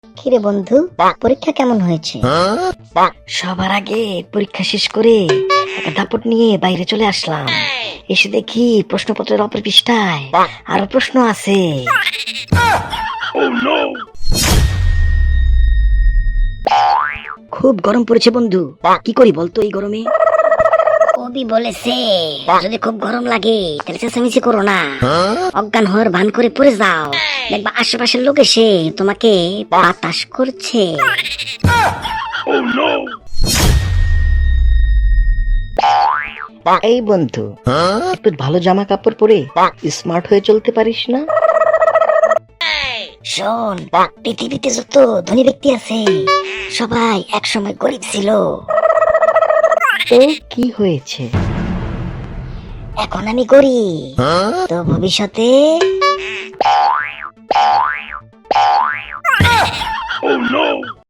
কিরে বন্ধু, পরীক্ষা কেমন হয়েছে? সবার আগে পরীক্ষা শেষ করে একটা দাপট নিয়ে বাইরে চলে আসলাম। এসে দেখি প্রশ্নপত্রের অপর পৃষ্ঠায় আরো প্রশ্ন আছে। খুব গরম পড়েছে বন্ধু, কি করি বলতো এই গরমে? কবি বলেছে যদি খুব গরম লাগে তাহলে চেঁচামেচি করো না, অজ্ঞান হওয়ার ভান করে পড়ে যাও, দেখবা আশেপাশের লোক এসে তোমাকে বাতাস করছে। এই বন্ধু, একটু ভালো জামা কাপড় পরে স্মার্ট হয়ে চলতে পারিস না? শোন, পৃথিবীতে যত ধনী ব্যক্তি আছে সবাই একসময় গরিব ছিল। তো কি হয়েছে? এখন আমি গরিব, তো ভবিষ্যতে